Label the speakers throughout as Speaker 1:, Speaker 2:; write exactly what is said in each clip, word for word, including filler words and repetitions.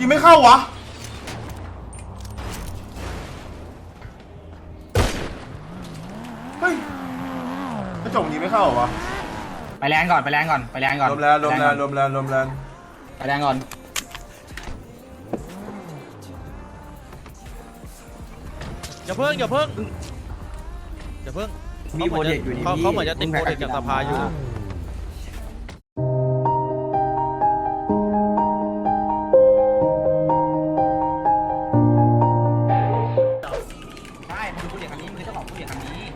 Speaker 1: ยิงไม่เข้าวะเฮ้ยกระจกยิงไม่เข้าเหรอวะ
Speaker 2: ไปแลนก่อนไปแลนก่อนไปแลนก่อน
Speaker 1: ลมแรงลมแรงลมแรงลมแรง
Speaker 2: ไปแลนก่อน
Speaker 3: อย่าเพิ่งอย่าเพิ่งอย่าเพิ่ง
Speaker 2: มีโปรเจกต์อยู่นี่
Speaker 3: เขาเขาเหมือนจะติดโปรเจกต์จากสภาอยู่
Speaker 2: ใช่มันคือโปรเจกต์คันนี้มันคือเจ้าของโปรเจกต์คันนี้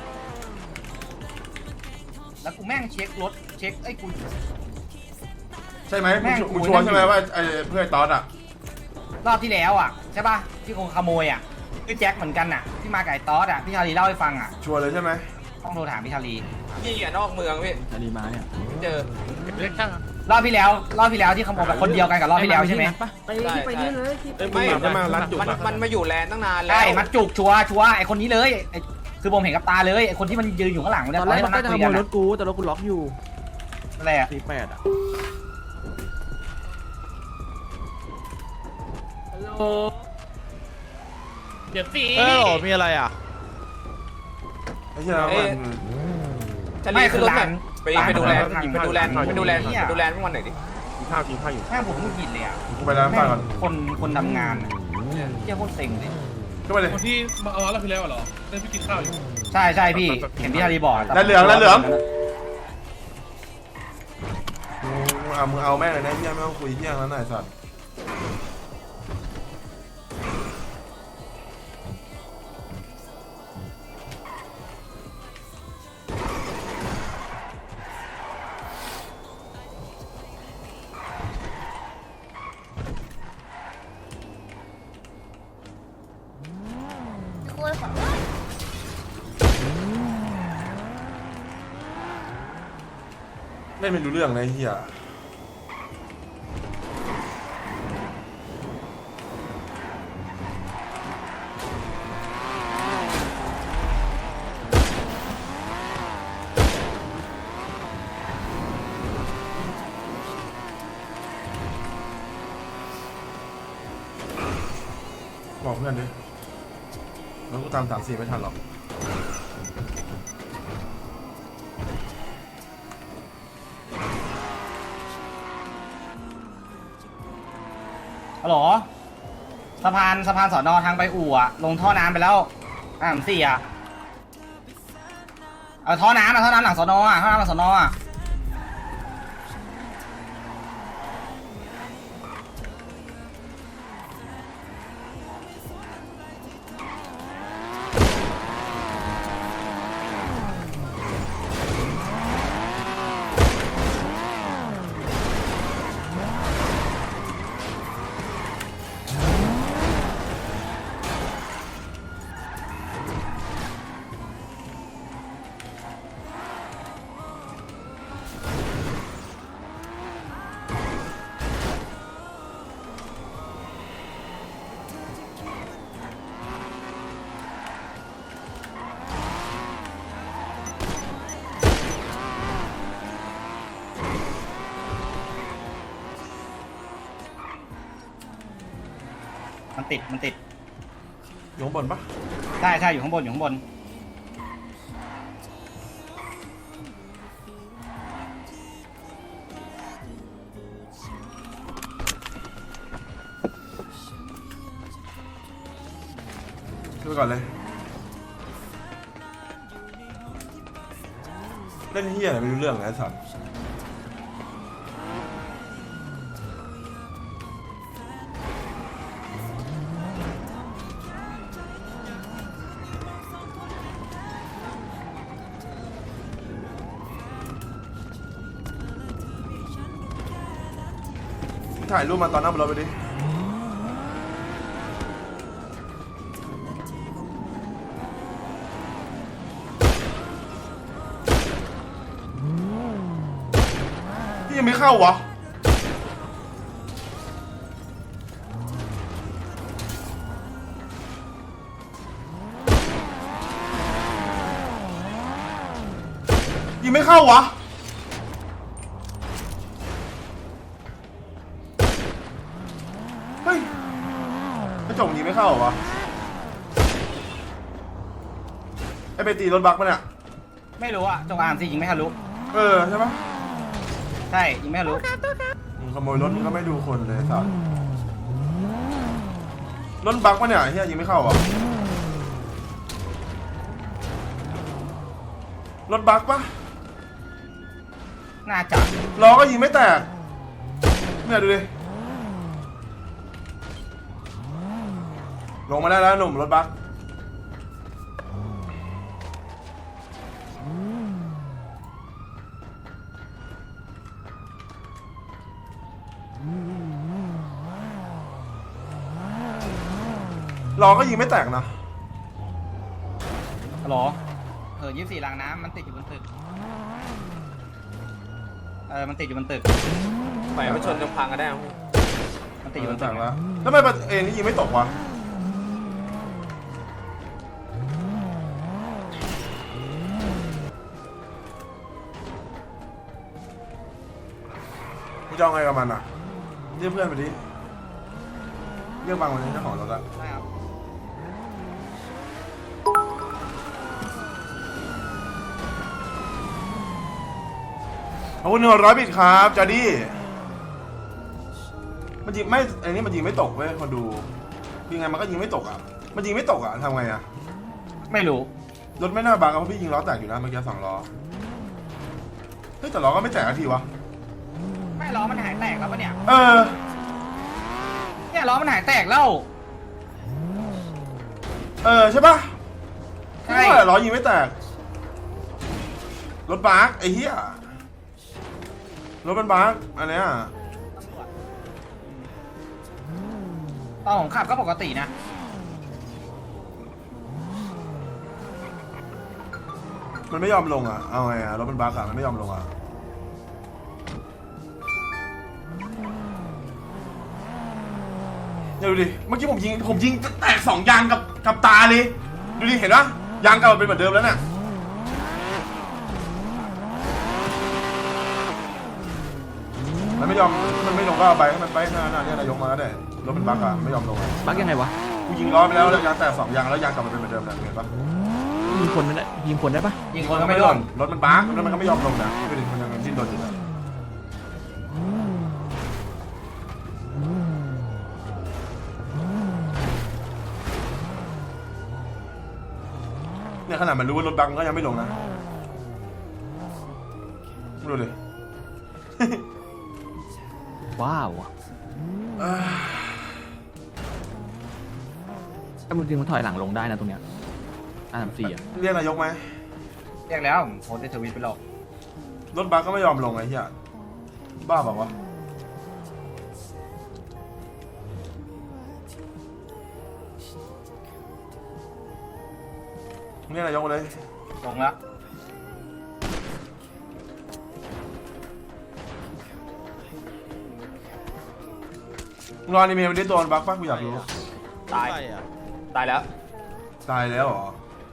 Speaker 2: แล้วกูแม่งเช็ครถเช็คไอ้กู
Speaker 1: ใช่ไหมมึงชัวร์ใช่ไหมว่าไอ้เพื่อนตอนอ่ะ
Speaker 2: รอบที่แล้วอ่ะใช่ป่ะที่คงขโมยอ่ะคือแจ็คเหมือนกันอ่ะที่มาไก่ตอสอ่ะพี่ชาลีเล่าให้ฟังอ่ะ
Speaker 1: ชัวร์เลยใช่ไหม
Speaker 2: ต้องโทรถามพี่ชาลี
Speaker 4: นี่อ่ะนอกเมืองพี่
Speaker 5: ชาลีมาเนี่ย
Speaker 4: เจอ
Speaker 3: เรียกช่าง
Speaker 2: รอบที่แล้วรอบที่แล้วที่ขโมยแบบคนเดียวกันกับรอบที่แล้วใช่ไหม
Speaker 6: ไปไปนี่เลย
Speaker 4: ไม่มันมันมาอยู่แลนตั้งนานแล้ว
Speaker 2: ใช่มัดจุกชัวชัวไอคนนี้เลยไอคือผมเห็นกับตาเลยไอคนที่มันยืนอยู่ข้างหลังเนี่ย
Speaker 6: ตอนแรกมันก็จะขโมยรถกูแต่รถกูล็อกอยู่
Speaker 2: อะไรอ่ะ
Speaker 6: สี่แปดอ่ะ
Speaker 3: ฮัลโหลเดี๋ยวสิเออมีอะไรอ่ะ
Speaker 1: ไม่ใช่แล้วมัน
Speaker 4: จะรีบขึ้นรถแบบไปไปดูแลไปดูแลไปดูแลไปดูแลพวกมันหน่อยดิ
Speaker 5: กินข้าวกินข้าวอยู่
Speaker 2: แม่ผมมึงหินเลยอ่ะ
Speaker 1: กูไปร้านข้าวก่อน
Speaker 2: คนคนทำงานเจ้าโคตรเซ็งเลย
Speaker 1: ก็ไปเลย
Speaker 7: คนที่มาเอาเราไปแล้วเหรอได้ไปกินข้าวอยู่
Speaker 2: ใช่ใช่พี่เห็นพี่ชาลีบอก
Speaker 1: แล้วเหลืองแล้วเหลืองมึงเอามึงเอาแม่เลยนะเที่ยไม่ต้องคุยเที่ยงแล้วหน่อยสัตว์เล่นไม่รู้เรื่องเลยเฮียบอกเพื่อนดิแล้วกูตามสามสี่ไม่ทันหรอก
Speaker 2: ฮัลโหลสะพานสะพานสอนอทางไปอู่อะลงท่อน้ำไปแล้วอ่ามสี่อะเอาท่อน้ำเอาท่อน้ำหลังสอนออะท่อน้ำหลังสอนออะมันติดมันติด
Speaker 1: อยู่ข้างบนปะ
Speaker 2: ใช่ใช่อยู่ข้างบนอยู่ข้างบน
Speaker 1: ขึ้นไปก่อนเลยเล่นเฮียอะไรไม่รู้เรื่องไงสัตว์ถ่ายรูปมาตอนนั่งบนรถไปดิที่ยังไม่เข้าวะยังไม่เข้าวะเฮ้ยจงยิงไม่เข้าเหรอวะไอไปตีรถบักปะเนี่ย
Speaker 2: ไม่รู้อะจงอามสิยิงไม่ทะลุ
Speaker 1: เออใช่ปะ
Speaker 2: ใช่ยิงไม่ทะลุ
Speaker 1: มึงขโมยรถมึงก็ไม่ดูคนเลยสัสรถบักปะเนี่ยเฮียยิงไม่เข้าเหรอรถบักปะ
Speaker 2: น่าจะ
Speaker 1: ล้อก็ยิงไม่แตกเนี่ยดูดิลงมาได้แล้วหนุ่มรถบักล้อก็ยิงไม่แตกนะ
Speaker 2: ฮัลโหลเออยี่สิบสี่รางน้ำมันติดอยู่บนตึกเออมันติดอยู่บนตึก
Speaker 4: ปล่อยมันชนจนพังก็ได้มั้ง
Speaker 2: มันติดอยู่บน
Speaker 1: แต
Speaker 2: ตึก
Speaker 1: กแล้วแล้วทำไมเอ็นนี่ยิงไม่ตกวะมึงจะเอาไงกับมันอ่ะเรียกเพื่อนไปดิเรียกบางวันนี้เจ้าของรถอะ
Speaker 2: ใช่ครับ
Speaker 1: ขอบคุณหนึ่งร้อยบิตครับจอดี้มันยิงไม่ไอ้นี่มันยิงไม่ตกเว้ยคนดูยิงไงมันก็ยิงไม่ตกอ่ะมันยิงไม่ตกอ่ะทำไงอ่ะ
Speaker 2: ไม่รู้
Speaker 1: รถไม่น่าบังเพราะพี่ยิงล้อแตกอยู่นะเมื่อกี้สองล้อเฮ้ยแต่ล้อก็ไม่แตกทีวะ
Speaker 2: ไม่ล้อมันหายแตกแล้วปะเนี่ย
Speaker 1: เออ
Speaker 2: เนี่ยล้อมันหายแตกแล้ว
Speaker 1: เออใช่ปะ
Speaker 2: ใช่
Speaker 1: ใช่ล้อยิงไม่แตกรถบักไอ้เหี้ยรถมันบักอันเนี้ย
Speaker 2: ตอนผมขับก็ปกตินะ
Speaker 1: มันไม่ยอมลงอ่ะเอาไงอ่ะรถมันบักอ่ะมันไม่ยอมลงอ่ะเนี่ยดูดิเมื่อกี้ผมยิงผมยิงแตกสองยางกับกับตาเลยดูดิเห็นปะยางเก่าเป็นเหมือนเดิมแล้วเนี่ยมันไม่ยอมมันไม่ลงก็เอาไปให้มันไปหน้าหน้าเนี่ยนายกมาแล้วเนี่ยรถมันบักอ่ะไม่ยอมลงอ่ะ
Speaker 6: บักยังไงวะ
Speaker 1: กูยิงล้อไปแล้วแล้วยางแตกสองยางแล้วยางกลับมาเป็นเหมือนเดิมเลยเห็นปะ
Speaker 6: ยิงคนไม่ได้ยิงคนได้ปะ
Speaker 2: ยิงคนก็ไม่ร่วง
Speaker 1: รถมันบักแล้วมันก็ไม่ยอมลงนะดูดิมันยังดิ้นรนอยู่นะเนี่ยขนาดมันรู้ว่ารถบักมันก็ยังไม่ลงนะดูดิ
Speaker 6: ว้าวแต่จริงๆมันถอยหลังลงได้นะตรงเนี้ยอ่านสี่อ่ะ
Speaker 1: เรียกนายกไหม
Speaker 2: เรียกแล้วผมโพสต์ในทวิตไปหรอก
Speaker 1: รถบัสก็ไม่ยอมลงไอ้เหี้ยบ้าเปล่าวะเรียกนายกมาเลย
Speaker 2: ลงแล้ว
Speaker 1: มึงรออนิเมะมันได้ตัวมันบักปะกูอยากรู้
Speaker 4: ตาย
Speaker 3: ใช่อะ
Speaker 4: ตายแล้ว
Speaker 1: ตายแล้วเหรอ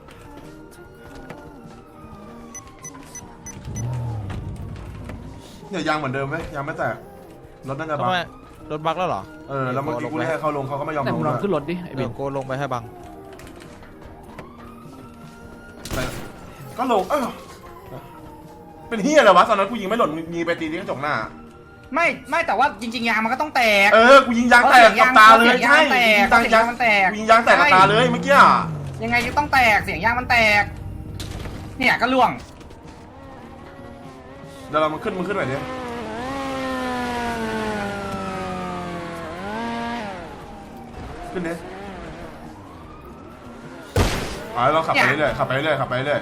Speaker 1: เนี่ยยางเหมือนเดิมไหมยางไม่แตกรถน่าจะ
Speaker 3: ทำ
Speaker 1: บัก
Speaker 3: ไมรถบักแล้วเหรอ
Speaker 1: เออแล้วเมื่อกี้กูเรียกให้เขาลงเขาก็ไม่ยอม
Speaker 6: แต่
Speaker 1: ล
Speaker 6: มึ
Speaker 1: ง
Speaker 6: งลอง
Speaker 1: ด้วย
Speaker 6: ขึ้นรถดิไอ้
Speaker 3: เดี๋
Speaker 6: เบ
Speaker 3: ยวน โกลงไปให้บัง
Speaker 1: ก็ลงเออเป็นเฮียอะไรวะตอนนั้นกูยิงไม่หล่นมึงยิงไปตีที่กระจกหน้า
Speaker 2: ไม่ไม่แต่ว่าจริงๆยางมันก็ต้องแตก
Speaker 1: เออกูยิงยางแตกกับตาเลย
Speaker 2: เสียงยาง
Speaker 1: ใช่
Speaker 2: แตก
Speaker 1: ยิงยาง
Speaker 2: เสียงยางมันแตก
Speaker 1: กูยิงยางแตกกับตาเลยเมื่อกี้อะ
Speaker 2: ยังไงก็ต้องแตกเสียงยางมันแตก เนี่ยก็ล่วง
Speaker 1: เดี๋ยวเรามันขึ้นมันขึ้นหน่อยดิขึ้นดิอ๋อเราขับไปเรื่อยๆขับไปเรื่อยๆขับไปเรื่อย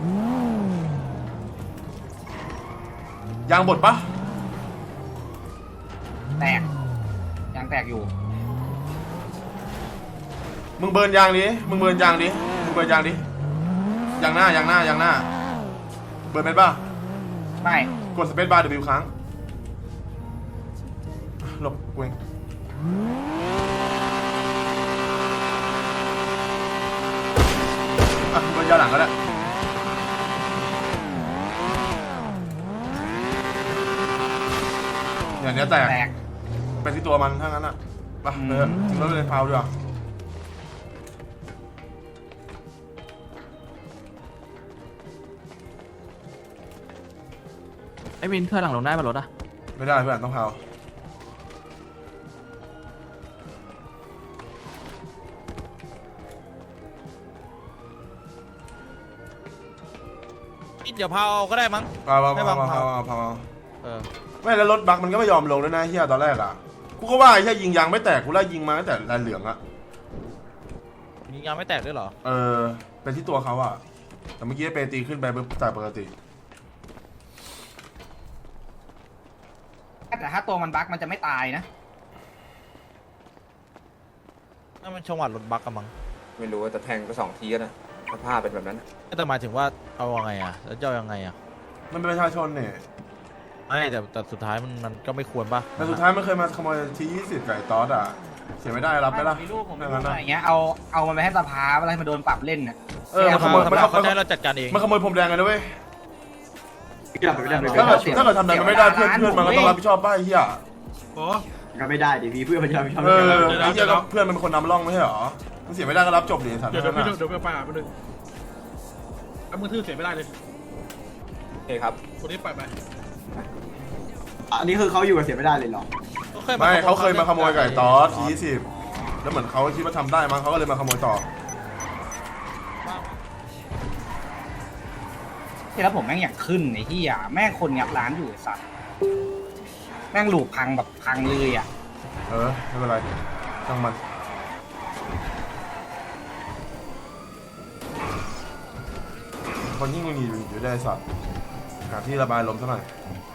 Speaker 1: ๆยางบดปะ
Speaker 2: แตกยางแตกอยู่
Speaker 1: มึงเบิร์นยางดิมึงเบิร์นยางดิมึงเบิร์นยางดิยางหน้ายางหน้ายางหน้าเบิร์นเป็นปะ
Speaker 2: ไม่
Speaker 1: กดสเปซบาร์ W ครั้งหลบเวงอ่ะเบิร์นยางหลังก็ได้อย่างเนี้ยแตก
Speaker 2: แตก
Speaker 1: เป็นที่ตัวมันถ้างั้นอ่ะไปเถอะทิ้งรถไปเลยพาวดีกว่า
Speaker 6: อ้วินถอยหลังลงได้ป่ะรถอะ
Speaker 1: ไม่ได้เพื่อนต้องเผา
Speaker 3: เดี๋ยวพาเอาก็ได้มั้ง
Speaker 1: เผาเผา
Speaker 3: ให้
Speaker 1: เผา
Speaker 3: บัง
Speaker 1: เผา
Speaker 3: เผา
Speaker 1: เผาเผา
Speaker 3: เออ
Speaker 1: ไม่แล้วรถบักมันก็ไม่ยอมลงด้วยนะเฮียตอนแรกอ่ะกูก็ว่าไอ้เฮียยิงยางไม่แตกกูไล่ยิงมาตั้งแต่แลนเหลืองอ่ะ
Speaker 3: ยิงยางไม่แตกด้วยเหรอ
Speaker 1: เออเป็นที่ตัวเขาอ่ะแต่เมื่อกี้เปตีขึ้นไปปุ๊บจากปกติ
Speaker 2: แต่ถ้าตัวมันบั๊กมันจะไม่ตายนะ
Speaker 3: นั่นมันชงหวัดรถบักกันมั้ง
Speaker 4: ไม่รู้ว่าแต่แทงไปสองทีแล้วนะสภาพเป็นแบบนั้น
Speaker 3: แต่หมายถึงว่าเอายังไงอะแล้วจะเอายังไงอะ
Speaker 1: มันเป็นประชาชนเนี่ย
Speaker 3: ไม่แต่แต่สุดท้ายมันมันก็ไม่ควรป่ะ
Speaker 1: แต่สุดท้ายมันเคยมาขโมยทียี่สิบไก่ตอสอ่ะเสียไม่ได้รับไหมล่ะ
Speaker 2: มีลูกผมมี
Speaker 1: อย่าง
Speaker 2: ลู
Speaker 1: นั้
Speaker 2: ก
Speaker 1: น
Speaker 2: อะ
Speaker 1: นะ
Speaker 2: ไรเงี้ยเอาเอามันไปให้สภาอะไรมาโดนปรับเล่นน่ะ
Speaker 1: เออมันขโมย
Speaker 3: ส
Speaker 1: มัน
Speaker 3: ภา
Speaker 1: ข
Speaker 3: เขา
Speaker 1: โม
Speaker 3: จะ
Speaker 1: ย
Speaker 3: ให้เราจัดการเอง
Speaker 1: มันขโมยพรมแดงกันนะเว้ย
Speaker 5: ไม่ได้ไม่ได้ไม่
Speaker 1: ถ้า
Speaker 5: ได้
Speaker 1: เกิดถ้าเกิดทำอะไรมันไม่ได้เพื่อนเพื่อนมันก็ต้องรับผิดชอบป้าไอ้เหี้ย
Speaker 7: โอ้
Speaker 5: ก็ไม่ได้ดิพี่เพื่อนมันจะไม่ชอบ
Speaker 1: เออไอ้เหี้ยก็เพื่อนมันเป็นคนนำร่องไม่ใช่หรอมันเสียไม่ได้ก็รับจบดิสัตว์
Speaker 7: เดี๋ยวเดี๋ยว
Speaker 1: นั่น
Speaker 7: พี่
Speaker 1: น่ะ
Speaker 7: เดี๋ยวไปป่าไปหนึ่งเอามือถือเสียไม่ได้เลย
Speaker 4: โอเคครับ
Speaker 7: คนนี้ปล่อยไป
Speaker 5: อันนี้คือเขาอยู่กับเสียไม่ได้เลยเหรอ
Speaker 1: ไม่เขาเคยมาขโมยไก่ตอสทียี่สิบแล้วเหมือนเขาคิดว่าทำได้มั้งเขาก็เลยมาขโมยต่อ
Speaker 2: ที่แล้วผมแม่งอยากขึ้นไอ้ที่อ่ะแม่งคนงับร้านอยู่ไอ้สัตว์แม่งหลูกพังแบบพังเลยอ่ะ
Speaker 1: เออไม่เป็นไรช่างมันคนยิ่งมึงอยู่อยู่ได้สัตว์หาที่ระบายลมซะหน่อย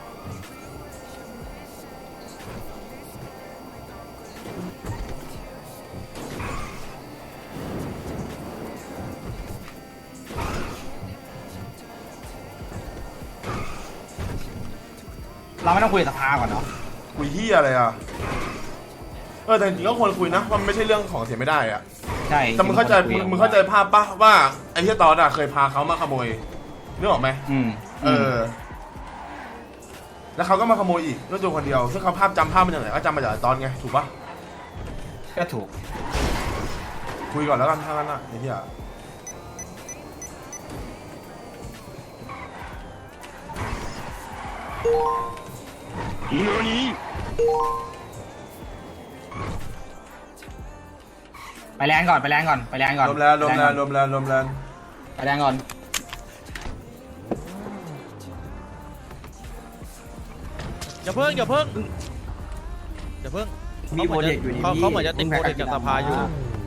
Speaker 2: เราไม่ต้องคุยกับสภาก่อนเนาะ
Speaker 1: คุยเฮียอะไรอ่ะเออแต่จริงๆก็ควรคุยนะมันไม่ใช่เรื่องของเสียไม่ได้อ่ะ
Speaker 2: ใช่
Speaker 1: แต่มึงเข้าใจมึงมึงเข้าใจภาพปะว่าไอ้เฮียตอนอ่ะเคยพาเขามาขโมยนึกออกไหม
Speaker 2: อืม
Speaker 1: เออ แล้วเขาก็มาขโมยอีกด้วยตัวคนเดียวซึ่งเขาภาพจำภาพมันอย่างไรก็จำมาจากไอ้ตอนไงถูกปะ
Speaker 2: ก็ถูก
Speaker 1: คุยก่อนแล้วกันถ้างั้นอ่ะไอ้เฮีย何
Speaker 2: ไปแรงก่อนไปแรงก่อนไปแรงก่อน
Speaker 1: รวมแล้วรวมแล้วรวมแล้วรวมแล้ว
Speaker 2: ไปแรงก่อน
Speaker 3: อย่าเพิ่งอย่าเพิ่งอย่าเพิ่ง
Speaker 5: มีโปรเจกต์อยู่นี่
Speaker 3: เขา
Speaker 5: พี่
Speaker 3: เขาเหมือนจะติดโปรเจกต์จากสภาอยู่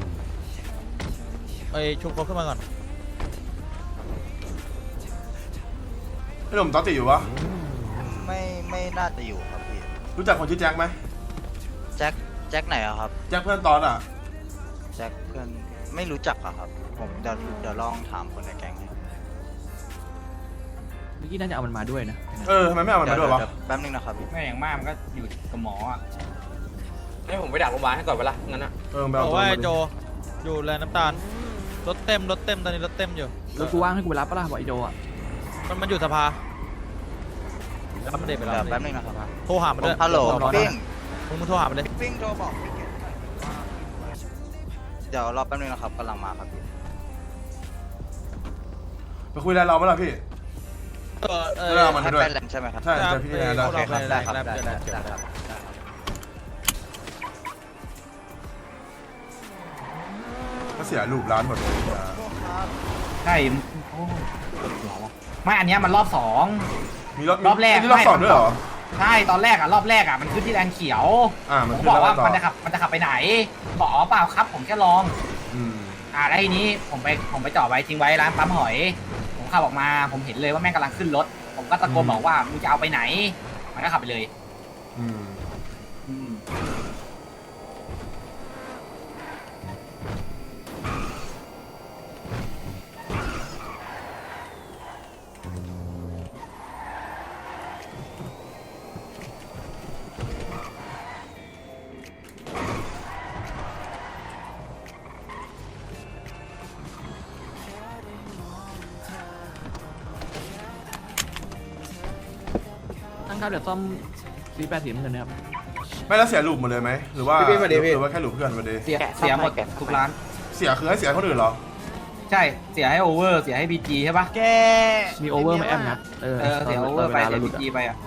Speaker 3: ไอชุบเขาขึ้นมาก่อน
Speaker 1: ไอ้หนุ่มตอนติดอยู่ปะ
Speaker 8: ไม่ไม่น่าจะอยู่ครับพี่
Speaker 1: รู้จักคนชื่อแจ็คไหม
Speaker 8: แจ็คแจ็คไหนอะครับ
Speaker 1: แจ็คเพื่อนตอนอ่ะ
Speaker 8: แจ็คเพื่อนไม่รู้จักอะครับ ผมเดี๋ยวเดี๋ยวลองถามคนในแก๊งให้
Speaker 6: เมื่อกี้น่าจะเอามันมาด้วยนะ
Speaker 1: เออทำไมไม่เอามัน
Speaker 8: เดี๋ย
Speaker 1: มาว ด้วยวะ
Speaker 8: เดี๋ยวแป๊บนึงนะครับพี่
Speaker 2: แม่อย่างมากมันก็อยู่กับหมออ่ะ
Speaker 4: ให้ผมไปดักโรงพยาบาลให้ก่อนเวลางั้นนะ
Speaker 1: เออไป
Speaker 3: บ
Speaker 1: เอา
Speaker 3: อก
Speaker 1: ตัว
Speaker 3: ว่า
Speaker 1: มา
Speaker 3: ไอ้
Speaker 1: ดิ
Speaker 3: โจอยู่แลนด์น้ำตาลรถเต็มรถเต็มตอนนี้รถเต็มอยู่
Speaker 6: รถกูว่างให้กูไปรับปะล่ะบอกไอโดอะ
Speaker 3: มันมันอยู่สภารับมันเด็กไปแล้ว
Speaker 8: เดี๋ยวแป๊บนึงนะครับ
Speaker 3: โทรหามันด้วย
Speaker 8: ฮัลโหล
Speaker 3: รอนะ
Speaker 8: ปิ้ง
Speaker 3: มึงมึงโทรหามันเลย
Speaker 8: ปิ้งโทรบอกพี่เกดเดี๋ยวรอแป๊บนึงนะครับกำลังมาครับพี่
Speaker 1: ไปคุยอะไรเราไหมล่ะพี่
Speaker 3: เออเอ
Speaker 1: ไม่ได้
Speaker 3: อ
Speaker 1: เอามัน
Speaker 8: ให้
Speaker 1: ด้วย
Speaker 8: ไปแลนด์ใช่ไหมครับ
Speaker 1: ใช่แต่พี่แนนได้
Speaker 3: โอเคครับได้ครับ
Speaker 8: ได้
Speaker 3: ได้
Speaker 8: ได้
Speaker 3: ได้
Speaker 8: ได้ครับ
Speaker 1: ก็เสียรูปร้านหมดเลย
Speaker 2: ใช่โอ้ปวดหัววะไม่อันเนี้ยมันรอบสอง
Speaker 1: มีรอบ
Speaker 2: รอบแรก
Speaker 1: มีรอบสองด้วยเหรอ
Speaker 2: ใช่ตอนแรกอ่ะรอบแรกอ่ะมันขึ้นที่แลนเขียว
Speaker 1: อ่ามัน
Speaker 2: ผม
Speaker 1: ขึ้น
Speaker 2: บอกว่า
Speaker 1: แล้วต่อ
Speaker 2: มันจะขับมันจะขับไปไหนบอกอ๋อเปล่าครับ ผมแค่ลอง
Speaker 1: อืม
Speaker 2: อ่าแล้วทีนี้ผมไปผมไปจอดไว้ทิ้งไว้ร้านปั๊มหอย ผมขับออกมาผมเห็นเลยว่าแม่งกำลังขึ้นรถ ผมก็ตะโกนบอกว่ามึงจะเอาไปไหน มันก็ขับไปเลย
Speaker 1: อืม
Speaker 2: อืม
Speaker 6: ตั้งครับเดี๋ยวซ่อมซีแปดสีน้ำเงินนะครับ
Speaker 1: ไม่แล้วเสียรูปหมดเลยไหมหรือว่า
Speaker 5: พี่พี่มาดิพี่
Speaker 1: หรือว่าแค่รูปเพื่อนมาดิ
Speaker 2: เสียเสียหมดทุกร้าน
Speaker 1: เสียคือให้เสียคนอื่นเหรอ
Speaker 2: ใช่เสียให้โอเวอร์เสียให้บีจีใช่ปะ
Speaker 3: แก
Speaker 6: มีโอเวอร์ไหมแอมนะเออ
Speaker 2: เออเสียโอเวอร์ไป
Speaker 6: เวลา
Speaker 2: เสี
Speaker 6: เรา
Speaker 2: ย
Speaker 6: หลุ
Speaker 2: บี
Speaker 6: ดอะ
Speaker 2: จีไปอ่ะ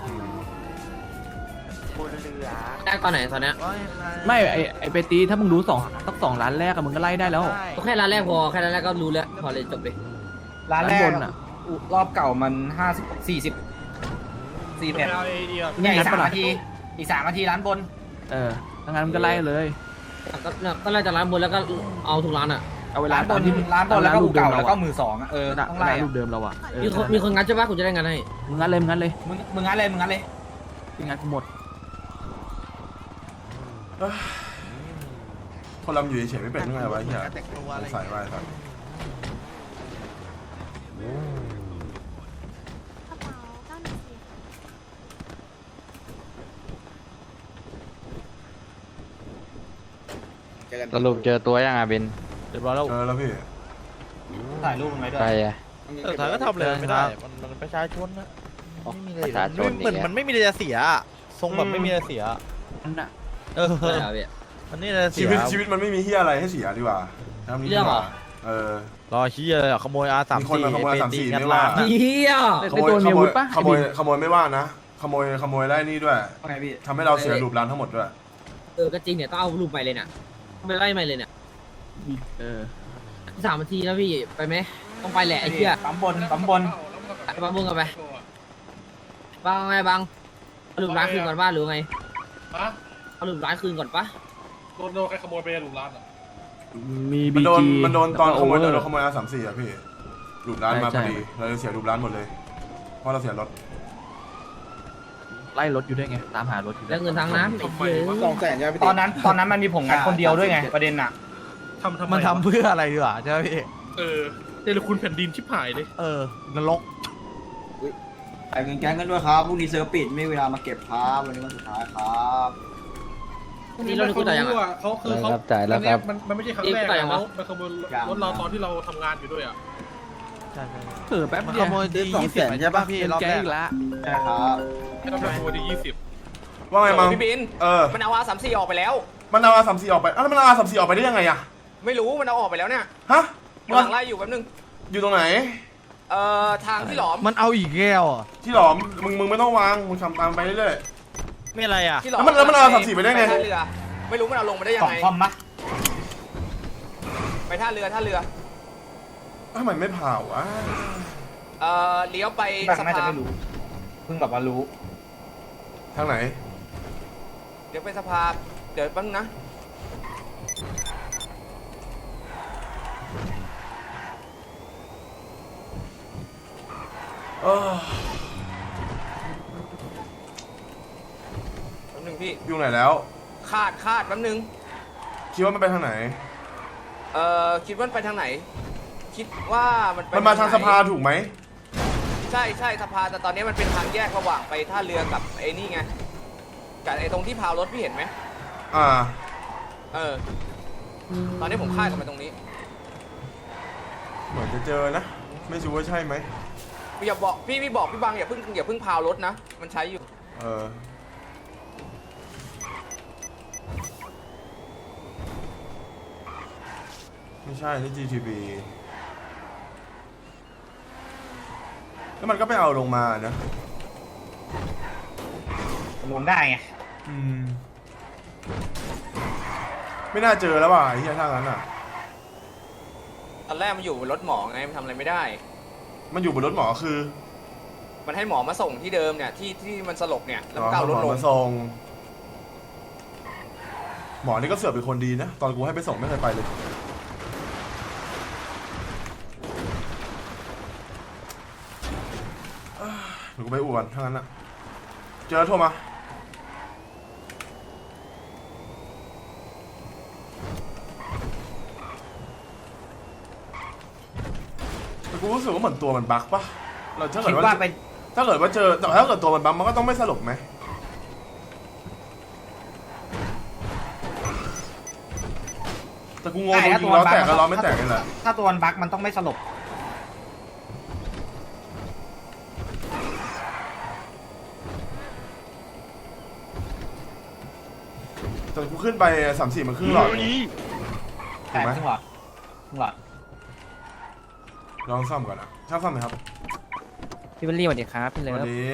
Speaker 9: ได้ตอนไหนตอนเนี้ย
Speaker 6: ไม่ไอไอไปตีถ้ามึงรู้สองสักสองล้านแรกอะมึงก็ไล่ได้แล้ว
Speaker 9: แค่ร้านแรกพอแค่ร้านแรกก็รู้แล้วพอเลยจบเลย
Speaker 2: ร้านแรก
Speaker 6: ร้านบนอะ
Speaker 2: รอบเก่ามันห้าสิบสี่สิบสี่เอ็ด
Speaker 3: เอาไอเดีย
Speaker 2: เนี่ยอีกสามนาทีอีกสามนาทีร้านบน
Speaker 6: เออถ้างั้นมึงก็ไล่เลย
Speaker 9: ก็ก็ไล่จากร้านบนแล้วก็เอาทุกร้านอ่ะ
Speaker 6: เอาเวลา
Speaker 2: ร้านบ
Speaker 6: ตอน
Speaker 2: น
Speaker 6: ที่
Speaker 2: ร้านบนแล้วก็
Speaker 6: ลู
Speaker 2: อู
Speaker 6: กเดิ
Speaker 2: เก่าม
Speaker 6: เรา
Speaker 2: แล้วก็
Speaker 6: อะ
Speaker 2: มือสองอะเออ
Speaker 6: เวลา
Speaker 2: ต้อง
Speaker 6: เว
Speaker 2: ไล่
Speaker 6: ลา
Speaker 2: อะ
Speaker 6: ลูกเดิมเราอะเออ
Speaker 9: มีคนมีคนงัดใช่ปะกูจะได้งานให้
Speaker 6: มึงงั้นเลยมึงงั้นเลย
Speaker 2: มึงมึงงั้นเลยมึงงั้นเลย
Speaker 6: มึงงั้นกูหมด
Speaker 1: คนลำอยู่เฉยๆไม่เป็นยังไงวะไอ้เหี้ยสงสัยว่าไอ้สัส
Speaker 4: สรุปเจอตัวยังอ่ะเบน
Speaker 3: เรียบร้อยแล้ว
Speaker 1: เจอแล้วพี่
Speaker 2: ถ่ายรูปมันไว้ด้วย
Speaker 4: ใครอ่ะ
Speaker 3: เออถ่ายก็ทำเลยไม่ได้มันมันประชาชนนะไม่มีอะไร
Speaker 4: ประชาชน
Speaker 3: เหมือน
Speaker 4: เนี่ย
Speaker 3: มันไม่มีอะไรจะเสียอะทรงแบบไม่มีอะไรเสีย
Speaker 6: นั่นน่ะ
Speaker 3: เออ
Speaker 9: ได้ครับพี่
Speaker 3: มันนี่อะไรเสี
Speaker 1: ชี
Speaker 3: ย
Speaker 1: วิตชีวิตมันไม่มีเฮียอะไรให้เสียดีกว่าทำนี้
Speaker 9: เรื่
Speaker 1: ดี
Speaker 9: อง
Speaker 1: ก
Speaker 9: เหร
Speaker 1: ว่า
Speaker 9: อ
Speaker 1: เออ
Speaker 3: รอชี้เลยอะขโมย อาร์ สาม
Speaker 1: มีคน
Speaker 3: สี่
Speaker 1: มาขโมย
Speaker 3: เป็น
Speaker 1: สามสี่
Speaker 3: ตีงัด
Speaker 1: ไม่ว่า
Speaker 3: ร้านอะ
Speaker 9: เฮีย
Speaker 1: ขโมย
Speaker 6: ไอ้ตัว
Speaker 1: ข
Speaker 6: มีอา
Speaker 1: โม
Speaker 6: วุ
Speaker 1: ย
Speaker 6: ธปะ
Speaker 1: ขโมยขโมยไม่ว่านะขโมยขโมยได้นี่ด้วย
Speaker 2: ว่าไงพี่
Speaker 1: ทำให้เราเสียรูปร้านทั้งหมดด้วย
Speaker 9: เออก็จริงเนี่ยต้องเอารูปใหม่เลยเนี่ยไปไล่ใหม่เลยเนี่ย
Speaker 6: เออ
Speaker 9: สามนาทีแล้วพี่ไปไหมต้องไปแหละไอ้เหี้ย
Speaker 2: ปั๊มบนปั๊มบน
Speaker 9: ไปบังบุ้งกันไปบังไงบังเอารูปร้านคืนก่อนป่ะหรือไง
Speaker 7: ฮะ
Speaker 9: เอารูปร้านคืนก่อนป่ะ
Speaker 7: โดนโดนใครขโมยไปหลุมร้านอ่ะ
Speaker 6: มี
Speaker 1: มัน
Speaker 6: บี
Speaker 1: โดน
Speaker 6: จี
Speaker 1: มันโดนตอนขโมย
Speaker 6: โอเวอ
Speaker 1: โด
Speaker 6: ร์
Speaker 1: นขโมยอาสามสี่อะพี่รูปร้านมาพ
Speaker 6: ใช่
Speaker 1: อดีเราเลยเสียรูปร้านหมดเลยเพราะเราเสียรถ
Speaker 6: ไล่รถอยู่ด้วยไงตามหารถอยู่ด้
Speaker 9: แล้ว
Speaker 6: วย
Speaker 9: เงินทางน้ำไอ้เหี้ย
Speaker 5: สองแสนใช่ไหมพี่
Speaker 2: ตอนนั้นตอนนั้นมันมีผมงัดคนเดียวด้วยไงประเด็นน่ะ
Speaker 7: ทำทำไม
Speaker 3: มันทำเพื่ออะไรดีกว่าใช่ไหมพี่
Speaker 7: เออเดลคุณแผ่นดินชิบหายเลย
Speaker 3: เออนรก
Speaker 5: ไปเงินแก๊งกันด้วยครับพรุ่งนี้เซิร์ฟปิดไม่มีเวลามาเก็บครับวันนี้วันสุดท้ายครับ
Speaker 9: นี่เราดูกูต่อยัง
Speaker 7: เขา
Speaker 9: อ่ะ
Speaker 7: เขาคือเขา
Speaker 4: ครับจ่ายแล้วครับ
Speaker 7: อันเนี้ยมันมันไม่ใช่ครั้งแรก
Speaker 9: นี่กูต่อยัง
Speaker 7: แล้ว
Speaker 9: วะ
Speaker 7: มันขโมยรถเราตอนที่เราทำงานอยู่ด้วยอ่ะ
Speaker 3: ใช่ใช่
Speaker 6: เออแป๊บ
Speaker 3: มัน
Speaker 6: เดี
Speaker 3: ข
Speaker 6: ยว
Speaker 3: โมยที
Speaker 5: สอง
Speaker 3: ยี่
Speaker 5: แส
Speaker 3: สิบ
Speaker 5: นใช่ปะ
Speaker 3: พี่
Speaker 6: เป็น
Speaker 3: รอบ
Speaker 6: แก๊
Speaker 3: แรง ก
Speaker 6: อีกแล้ว
Speaker 5: ใช่ครับ
Speaker 7: ให้เราไปขโมยที่ยี่สิบ
Speaker 1: ว่าไงมั้ง
Speaker 4: พี่บิน
Speaker 1: เออ
Speaker 4: มันเอาอาสามสี่ออกไปแล้ว
Speaker 1: มันเอาอาสามสี่ออกไปอ้าวแล้วมันเอาอาสามสี่ออกไปได้ยังไงอะ
Speaker 4: ไม่รู้มันเอาออกไปแล้วเนี่ย
Speaker 1: ฮะ
Speaker 4: กำลังไล่อยู่แป๊บนึง
Speaker 1: อยู่ตรงไหน
Speaker 4: เอ่อทางที่หลอม
Speaker 3: มันเอาอีกแก้วอ่ะ
Speaker 1: ที่หลอมมึงมึงไม่ต้องวางมึงทำตามไปเรื่อย
Speaker 3: ไม่อะไรอ่ะ
Speaker 4: ที่หลอม
Speaker 1: แล้วมันแล้วมันเอาสามสี่ไปได้ไง
Speaker 4: ท่าเรือไม่รู้มันเอาลงมาได้ยั
Speaker 2: ส
Speaker 4: ง
Speaker 2: อง
Speaker 4: ไง
Speaker 2: คอมปะ
Speaker 4: ไปท่าเรือท่าเรือ
Speaker 1: ๆทำไมไม่เผาวะ
Speaker 4: เอ่อเลี้ยวไป
Speaker 2: แบง
Speaker 4: สะ
Speaker 2: ค์น่าจะ
Speaker 4: พาน
Speaker 2: ไม่รู้เพิ่งแบบว่ารู้
Speaker 1: ทางไหน
Speaker 4: เดี๋ยวไปสะพานเดี๋ยวแป๊บนึงนะ
Speaker 1: เออ
Speaker 4: แป๊บนึงพี่
Speaker 1: อยู่ไหนแล้ว
Speaker 4: คาดคาดแป๊บนึง
Speaker 1: คิดว่ามันไปทางไหน
Speaker 4: เอ่อคิดว่ามันไปทางไหน คิดว่ามันไป
Speaker 1: มันมาทาง
Speaker 4: ไห
Speaker 1: สภาถูกไหม
Speaker 4: ใช่ใช่สภาแต่ตอนนี้มันเป็นทางแยกระหว่างไปท่าเรือกับไอ้นี่ไงกับไอ้ตรงที่พาวรถพี่เห็นไหม
Speaker 1: อ่า
Speaker 4: เออ ตอนนี้ผมคาดกับมันตรงนี้
Speaker 1: เหมือนจะเจอนะ ไม่รู้ว่าใช่ไหม
Speaker 4: อย่าบอกพี่พี่บอกพี่บังอย่าเพิ่งอย่าเพิ่งพาวรถนะ มันใช้อยู่
Speaker 1: เออ ไม่ใช่นี่ จี ที บี แล้วมันก็ไปเอาลงมานะ
Speaker 2: ลงได้ไง
Speaker 1: อืม ไม่น่าเจอแล้วว่ะไอ้เหี้ยถ้างั้นอ่ะ
Speaker 4: ตอนแรกมันอยู่บนรถหมอไงมันทำอะไรไม่ได้
Speaker 1: มันอยู่บนรถหมอคือ
Speaker 4: มันให้หมอมาส่งที่เดิมเนี่ยที่ที่มันสลบเนี่ยแล้วมันก็
Speaker 1: อ๋
Speaker 4: เอา
Speaker 1: อ
Speaker 4: รถ
Speaker 1: หม
Speaker 4: ล
Speaker 1: อง มาส่งหมอนี่ก็เสือกเป็นคนดีนะ ตอนกูให้ไปส่งไม่เคยไปเลย หนูก็ไปอวดถ้างั้นอ่ะ เจอโทรมา แต่กูรู้สึกว่าเหมือนตัวมันบั๊กปะเราถ้าเกิ
Speaker 2: คิ
Speaker 1: ด
Speaker 2: ด
Speaker 1: ว่า
Speaker 2: ว่าไป
Speaker 1: ถ้าเกิดว่าเจอแต่ถ้าเกิดตัวมันบั๊กมันก็ต้องไม่สลบไหม แต่กูงงตรงจริงล้อแตกกับล้อไม่แตกนี่แหละ
Speaker 2: ถ้าตัวมันบั๊กมันต้องไม่สลบ
Speaker 1: แต่กูขึ้นไปสามสี่มันครึ่งหลอด
Speaker 2: แต่ครึ่งหลอดครึ่งหลอด
Speaker 1: ลองซ่อมก่อนนะช่างซ่อมไหมครับ
Speaker 6: พี่เบลลี่สวัสดีครับพี่
Speaker 1: ส
Speaker 6: เลิ
Speaker 1: วัส
Speaker 6: ฟ
Speaker 1: ดี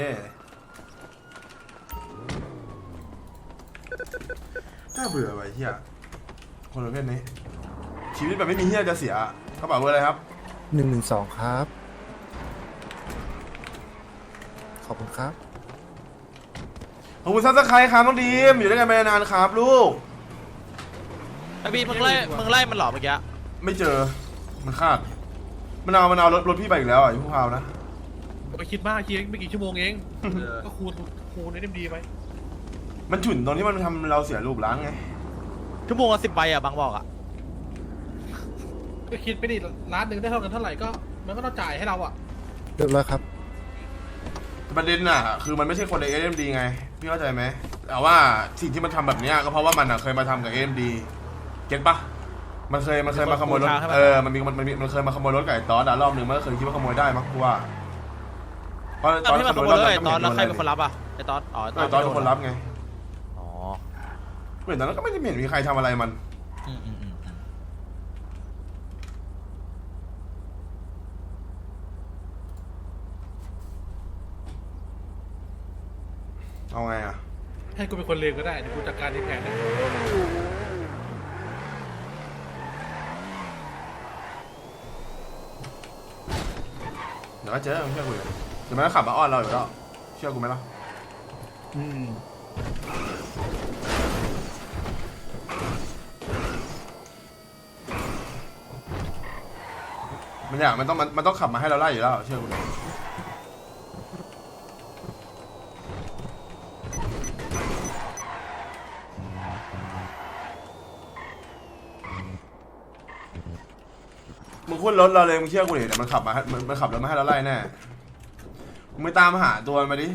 Speaker 1: น่าเบื่อไปเฮียคนประเภทนี้ ชีวิตแบบไม่มีเฮียจะเสียกระเป๋าเบอร์อะไรครับ
Speaker 10: หนึ่งหนึ่งสองครับ ขอบคุณครับ
Speaker 1: ขอบคุณซับสไครต์ครับน้องดีมอยู่ด้วยกันมานานครับลูก
Speaker 3: ไอบีมึงไล่มึงไล่มันเหรอเมื่อกี้
Speaker 1: ไม่เจอมันคาดมันเอามันเอารถรถพี่ไปอีกแล้วอ่ะพวกเรานะ
Speaker 7: ไปคิดมากคิดไม่กี่ชั่วโมงเองก็คูณคูณในเอ็มดีไป
Speaker 1: มันฉุนตรงที่มันทำเราเสียรูปล้างไง
Speaker 3: ชั่วโมงละสิบใบอ่ะบางบอกอ่ะ
Speaker 7: ก็คิดไปดิร้านหนึ่งได้เท่ากันเท่าไหร่ก็มันก็ต้องจ่ายให้เราอ่ะ
Speaker 10: เรียบร้อยครับ
Speaker 1: ประเด็นน่ะคือมันไม่ใช่คนใน เอ็ม ดี ไงพี่เข้าใจไหมแต่ว่าสิ่งที่มันทำแบบเนี้ยก็เพราะว่ามันอ่ะเคยมาทำกับ เอ็ม ดี เก็ตปะมันเคยมันเคยมาขโมยรถเออมันมีมันมันมันเคยมาขโมยรถไก่ตอสอ่ะรอบหนึ่งมันก็เคยคิดว่าขโมยได้มั้งกูว่าเพราะ
Speaker 3: ต
Speaker 1: ต
Speaker 3: อ
Speaker 1: อน น
Speaker 3: ที่
Speaker 1: ข
Speaker 3: มันข
Speaker 1: โม
Speaker 3: โม
Speaker 1: ย
Speaker 3: ย
Speaker 1: รถ
Speaker 3: เล
Speaker 1: เรา
Speaker 3: ย
Speaker 1: ก็
Speaker 3: ตอน
Speaker 1: ไม่
Speaker 3: แล้วใคร
Speaker 1: เห็น
Speaker 3: เป็นคนรับอ่ะไอตอนอ๋อ
Speaker 1: เออตอนเป็นคนรับไง
Speaker 3: อ๋อ
Speaker 1: เหมือนตอนนั้นก็ไม่ได้เห็นมีใครทำอะไรมัน
Speaker 3: อืมอืมอืม
Speaker 1: เอาไงอ่ะ
Speaker 7: ให้กูเป็นคนเลวก็ได้เดี๋ยวกูจัดการในแผนนะ
Speaker 1: เดี๋ยวก็เจอมึงเชื่อกูเลยเดี๋ยวมันก็ขับมาอ้อนเราอยู่แล้วเชื่อกูไหมล่ะ
Speaker 6: อืม
Speaker 1: มันอยากมันต้องมันมันต้องขับมาให้เราไล่อยู่แล้วเชื่อกูเลยมึงขึ้นรถเราเลยมึงเชื่อกูดิเดี๋ยวมันขับมาให้มันมันขับรถมาให้เราไล่แน่มึงไปตามหาตัวมันมาดิ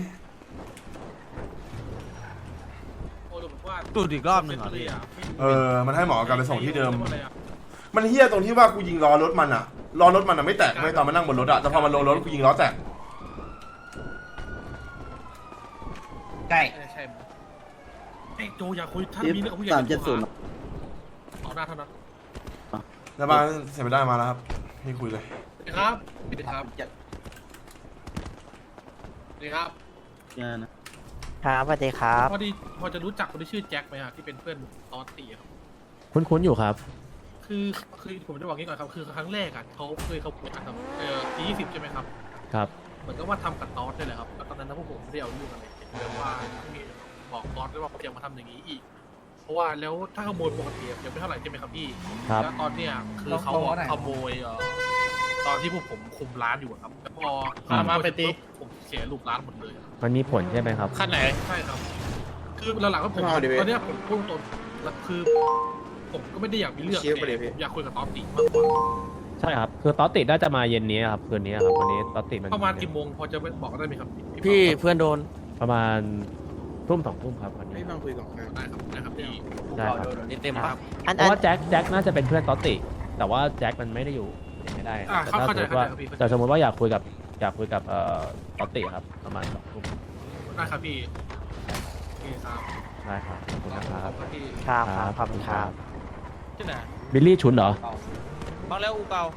Speaker 7: โอ้ดูว่า
Speaker 3: ตูดอีกรอบหนึ่งเหรอพี่
Speaker 1: เออมันให้หมอกลับไปส่งที่เดิม มันเฮี้ยตรงที่ว่ากูยิงล้อรถมันอะล้อรถมันอะไม่แตกไม่ตอนมันนั่งบนรถอะแต่พอมันลงรถกูยิงล้อแตก
Speaker 2: ใช่
Speaker 7: ใช่ไอ้โจอยากคุยถ้ามีเรื่องกับผู้ใหญ่เอาหน้าเท่านั้น
Speaker 1: แล้วบ้านเสียไม่ได้มาแล้วครับพี่คุยเลย
Speaker 7: ครับสวัสดีครับสวัสดีครับ
Speaker 9: ครับสวัสดีครับ
Speaker 7: พอดีพอจะรู้จักคนที่ชื่อแจ็คไหมฮะที่เป็นเพื่อนตอนตีครับ
Speaker 6: คุ้นๆอยู่ครับ
Speaker 7: คือคือผมจะบอกงี้ก่อนครับคือครั้งแรกอ่ะเขาเคยเขาพูดกันครับเออทียี่สิบใช่ไหมครับ
Speaker 6: ครับ
Speaker 7: เหมือนกับว่าทำกับตอสได้เลยครับแล้วตอนนั้นนะพวกผมไม่ได้เอาเรื่องอะไรเรื่องว่ามีบอกตอสด้วยว่าเขาจะมาทำอย่างนี้อีก เพราะว่าแล้วถ้าขโมยปกติยังไม่เท่าไหร่ใช่ไหมครับพี่
Speaker 6: ครับ
Speaker 7: แล้วตอนเนี้ยคือเขาขโมยเอ่อตอนที่พวกผมคุมร้านอยู่อะครับแล้วพอเขามาไปตีผมเสียลูกร้านหมดเลย
Speaker 6: มันมีผลใช่ไหมครับ
Speaker 3: ขั้นไหน
Speaker 7: ใช่ครับ คือหลังๆก็ผมตอนเนี้ยผมพูดตรงๆแล้วคือ ผมก็ไม่ได้อยากมีเรื่องแต่ผมอยากคุยกับตอสติมากกว่า
Speaker 6: ใช่ครับ คือตอสติน่าจะมาเย็นนี้ครับคืนนี้ครับวันนี้ตอสติมัน
Speaker 7: ประมาณกี่โมงพอจะบอกได้ไหมครับ
Speaker 3: พี่เพื่อนโดน
Speaker 6: ประมาณทุ่มสองทุ่มครับวันนี้
Speaker 7: ได้ครับได้ครับพี่
Speaker 6: ได้ครับ
Speaker 3: เต็มครับ
Speaker 6: เพราะว่าแจ็คแจ็คน่าจะเป็นเพื่อนตอสติ แต่ว่าแจ็คมันไม่ได้อยู่ไม่ได้
Speaker 7: อ่า
Speaker 6: แต่
Speaker 7: เข้า
Speaker 6: ถ้า
Speaker 7: เข้า
Speaker 6: สม
Speaker 7: ใจ
Speaker 6: มติว่า
Speaker 7: เข้าใจครับพี่
Speaker 6: แต่สมมติว่าอยากคุยกับอยากคุยกับเอ่อตอสติครับประมาณสองทุ่ม
Speaker 7: ได้ครับพี่โอเคครับ
Speaker 6: ได้ครับขอบคุณนะครับ
Speaker 7: ครับพี่
Speaker 9: ครับครับขอบคุณครับ
Speaker 3: ที่ไหน
Speaker 6: บิลลี่ชุนเหรอ
Speaker 3: บางแล้วอูเก่า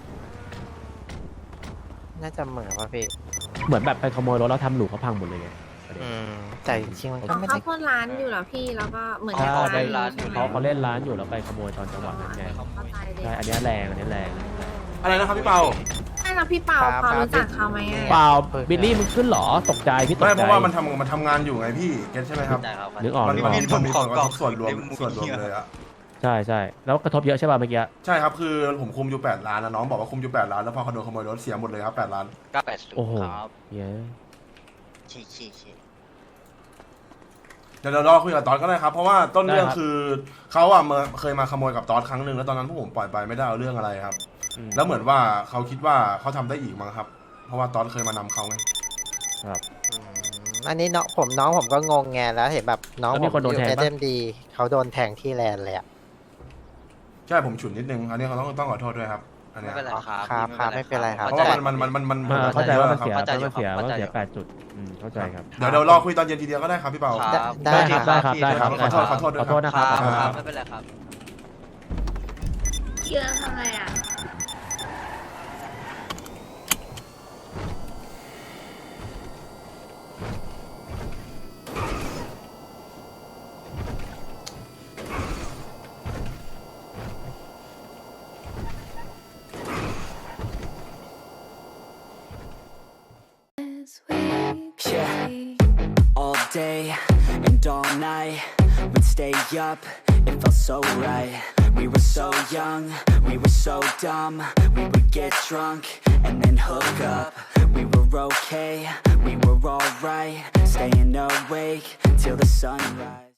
Speaker 9: น่าจะเหมือนว่าพี่
Speaker 6: เหมือนแบบไปขโมยรถแล้วทำหลูเขาพังหมดเลยไง
Speaker 9: อืมแต่จริงๆมันก็ไม่
Speaker 11: เขา
Speaker 9: ได้
Speaker 11: พ่นร้านอยู่เหรอพี่แล้วก็เหมือน
Speaker 6: ใช่
Speaker 11: กับ
Speaker 6: ไป
Speaker 11: ร้านอยู่ใช่ไหม
Speaker 6: เขาเขาเล่นร้านอยู่แล้วไปขโมยตอนจังหวะนั้นไง
Speaker 11: เข้าใจเลย
Speaker 6: ใช่อันเนี้ยแรงอันเนี้ยแรง
Speaker 1: อะไรนะครับพี่เปา
Speaker 11: ใช่แล้วพี่เปาพอรู้จักเขาไหมอะ
Speaker 6: เปล่าบิลลี่มึงขึ้นเหรอตกใจพี่ตก
Speaker 1: ไม่
Speaker 6: ใจ
Speaker 1: เพราะว่ามันทำมันทำงานอยู่ไงพี่เก็ตใช่ไหมครับ
Speaker 6: นึกออก
Speaker 1: มัน
Speaker 6: นึก
Speaker 1: มั
Speaker 6: อน อก
Speaker 1: มีมันมีผลกระทบส่วนรวมส่วนรวมเลยอะ
Speaker 6: ใช่ใช่แล้วกระทบเยอะใช่ป่ะเมื่อกี้
Speaker 1: ใช่ครับคือผมคุมอยู่แปดล้านนะน้องบอกว่าคุมอยู่แปดล้านแล้วพอเขาโดนขโมยรถเสียหมดเลยครับแปดล้าน
Speaker 8: เก้าแปดศูน
Speaker 6: โอ้โห
Speaker 8: ย์ครับ
Speaker 6: เย้
Speaker 8: ชี้ชี้ชี้
Speaker 1: เดี๋ยวเรารอคุยกับตอสก็ได้ครับเพราะว่าต้นเรื่องคือเขาอะเมื่อเคยมาขโมยกับตอสครั้งหนึ่งแล้วตอนนั้นพวกผมปล่อยไปไม่ได้เอาเรื่องอะไรครับ
Speaker 6: อืม
Speaker 1: แล้วเหมือนว่าเขาคิดว่าเขาทำได้อีกมั้งครับ เพราะว่าตอสเคยมานำเขาไง
Speaker 6: ครับ
Speaker 9: อืมอันนี้น้องผมน้องผมก็งงไงแล้วเห็นแบบน้อง
Speaker 6: แล้ว
Speaker 9: ผ
Speaker 6: มี
Speaker 9: ม
Speaker 6: คนโดน
Speaker 9: อยู่
Speaker 6: แทง
Speaker 9: เอ
Speaker 6: ปะ
Speaker 9: เดมดีเขาโดนแทงที่แลนด์เลยอะ
Speaker 1: ใช่ผมฉุนนิดนึงอันนี้เขาต้องต้องขอโทษด้วยครับอัน
Speaker 8: ไม่
Speaker 1: เนี้ย
Speaker 8: เป็นไรครับ
Speaker 9: ครับครับไม่เป็นไรครับ
Speaker 1: เพราะว่ามันมันมันมันมัน
Speaker 6: อ่าเข้าใจว่ามันเสีย
Speaker 8: เข้าใจ
Speaker 6: ว่ามันเสีย
Speaker 8: เข้า
Speaker 6: ว่า
Speaker 8: ใจ
Speaker 6: มันเสีย
Speaker 8: เข้าใจ
Speaker 6: แปดจุดอืมเข้าใจครับ
Speaker 1: เดี๋ยวเดี๋ยวรอคุยตอนเย็นทีเดียวก็ได้ครับพี่เปา
Speaker 8: ครับ
Speaker 9: ได้
Speaker 6: ได้ครับได้ครับได้ครับ
Speaker 1: ขอโทษขอโทษด้วย
Speaker 6: ขอโทษนะ
Speaker 8: ค
Speaker 6: ค
Speaker 8: รั
Speaker 6: รั
Speaker 8: บบ ครับไม่เป็นไรครับ
Speaker 11: เชื่อทำไมอ่ะ
Speaker 12: Yeah, all day and all night, we'd stay up, it felt so right. We were so young, we were so dumb, we would get drunk and then hook up. We were okay, we were alright, staying awake till the sunrise.